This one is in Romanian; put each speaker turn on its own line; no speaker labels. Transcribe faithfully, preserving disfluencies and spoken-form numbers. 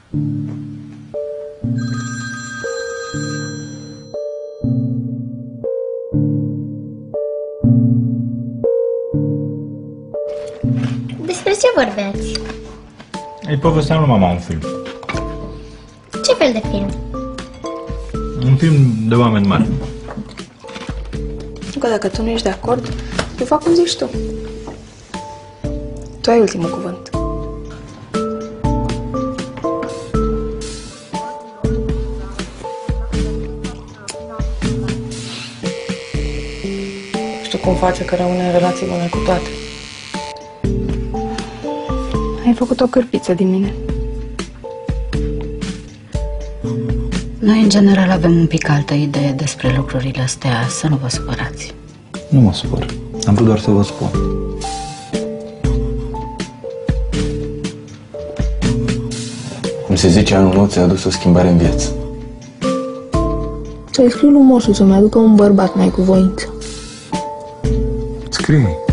Despre ce vorbeați?
Îi povesteam lui mama un film.
Ce fel de film?
Un film de oameni mari.
Că dacă tu nu ești de acord, eu fac cum zici tu. Tu ai ultimul cuvânt. Știu cum face că rămâne în relații bune cu toate. Ai făcut o cârpiță din mine.
Noi, în general, avem un pic altă idee despre lucrurile astea, să nu vă supărați.
Nu mă supăr. Am vrut doar să vă spun. Cum se zice, anul nou ți-a adus o schimbare în viață.
Să-i scriu lui Moșu să-mi aducă un bărbat mai cu voință.
Scrie.